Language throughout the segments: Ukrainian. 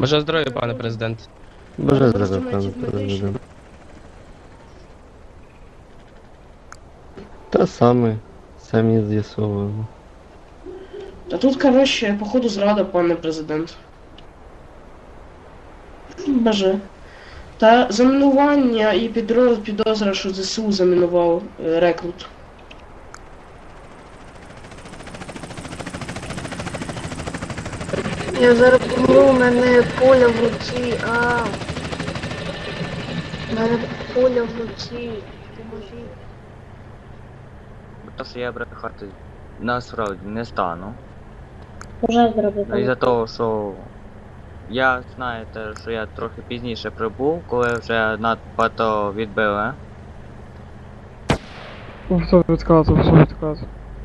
Бажаю здоров'я, пане президент. Бажаю здоров'я, пане президент. Та саме, самі з'ясовуємо. Та тут, коротше, походу зрада, пане президент. Боже. Та замінування і підозра, що ЗСУ замінував рекрут. Я зараз помру, у мене поля в руці, У мене поля в руці. Поможіть. Просто я брехати насправді не стану. Вже зробив. Із-за того, що я знаєте, що я трохи пізніше прибув, коли вже надбагато відбили. Все відказував, все відказував.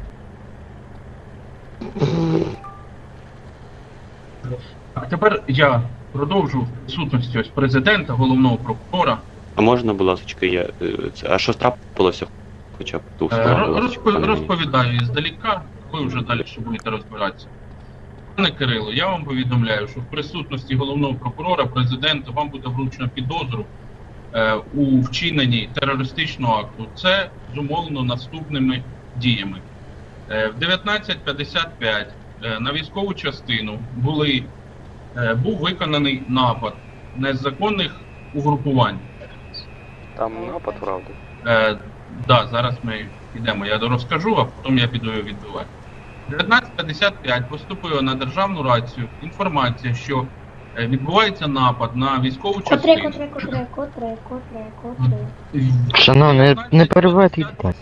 А тепер я продовжу в присутності ось президента, головного прокурора. А можна, будь ласка, а що трапилося хоча б двох слів? Розповідаю іздаліка, ви вже далі будете розбиратися. Пане Кирило, я вам повідомляю, що в присутності головного прокурора, президента, вам буде вручено підозру у вчиненні терористичного акту. Це зумовлено наступними діями. В 19:55 на військову частину був виконаний напад незаконних угрупувань. Там напад, правда? Да, зараз ми підемо, я розкажу, а потім я піду його відбивати. В 19:55 поступила на державну рацію інформація, що відбувається напад на військову частину. Котре. Шановний, не перебивайте.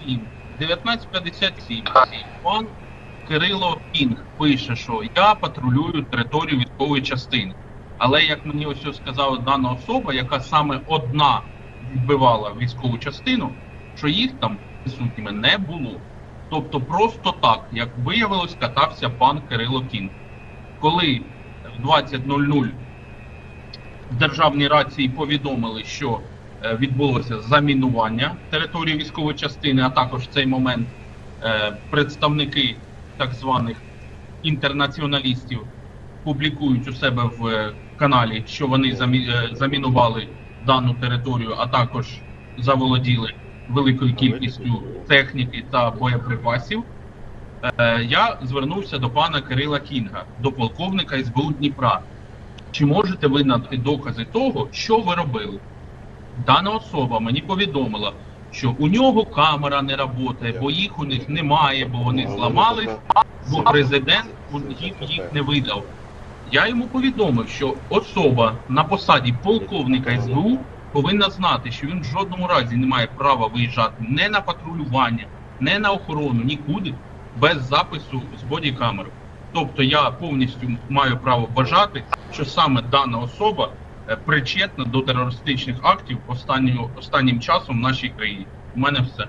19:57 пан Кирило Кінг пише, що я патрулюю територію військової частини. Але як мені ось сказала дана особа, яка саме одна відбивала військову частину, що їх там присутніми не було. Тобто просто так, як виявилось, катався пан Кирило Кінг. Коли в 20:00 в державній рації повідомили, що відбулося замінування території військової частини, а також в цей момент представники так званих інтернаціоналістів публікують у себе в каналі, що вони замінували дану територію, а також заволоділи великою кількістю техніки та боєприпасів, я звернувся до пана Кирила Кінга, до полковника СБУ Дніпра. Чи можете ви надати докази того, що ви робили? Дана особа мені повідомила, що у нього камера не працює, бо їх у них немає, бо вони зламались, бо президент їх не видав. Я йому повідомив, що особа на посаді полковника СБУ повинна знати, що він в жодному разі не має права виїжджати не на патрулювання, не на охорону, нікуди, без запису з бодікамери. Тобто я повністю маю право вважати, що саме дана особа причетна до терористичних актів останнім часом в нашій країні. У мене все.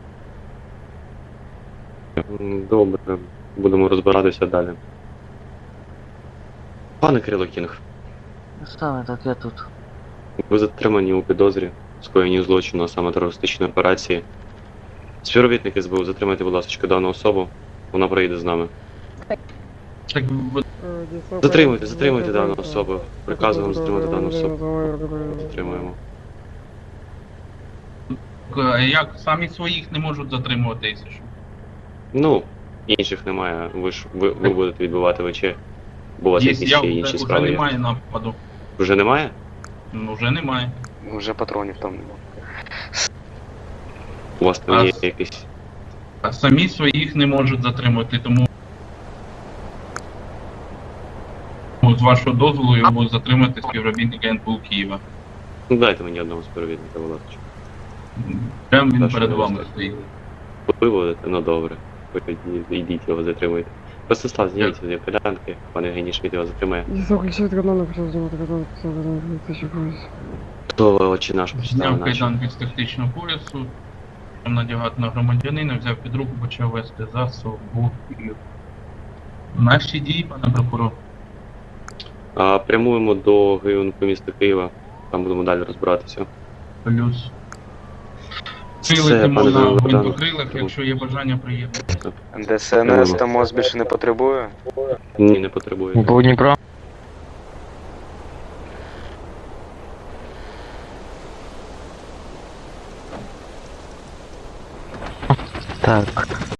Добре, будемо розбиратися далі. Пане Кирило Кінг, Саме так, я тут. ви затримані у підозрі скоєнні злочину, а саме терористичної операції. Співробітники СБУ, затримайте, будь ласка, дану особу, вона проїде з нами. Так, Затримуйте дану особу. Приказуємо затримати дану особу. Затримуємо. як самі своїх не можуть затримувати, якщо що. Ну, інших немає. Ви будете відбувати ВЧ. Бо у вас якісь ще інші справи вже є. немає нападу. Вже немає? Ну, вже немає. Вже патронів там немає. У вас там є якісь... А самі своїх не можуть затримати, тому з вашого дозволу його будуть затримати співробітники НПУ Києва. Ну, дайте мені одного співробітника, будь ласка. Прямо він Та, перед що вами ви стоїть. Ви будете? Ну добре. Ви йдіть його затримуйте. Просто став, зніміть з кайданки, пане Євгеній Шміт його затримає. Заключить канал, хотів знімати канал, тисячу пояс. Хто очі наш почитав Зняв наші? кайданки з тактичного поясу, надягати на громадянина, взяв під руку, почав вести за собою. Наші дії, пане прокурор. Прямуємо до ГЮНП міста Києва, там будемо далі розбиратися. Плюс. Все, Цілити пане можна в Богдане. гвинтокрилах, якщо є бажання приєднати. ДСНС там ОС більше не потребує? Ні, не потребує. По Дніпра. Так.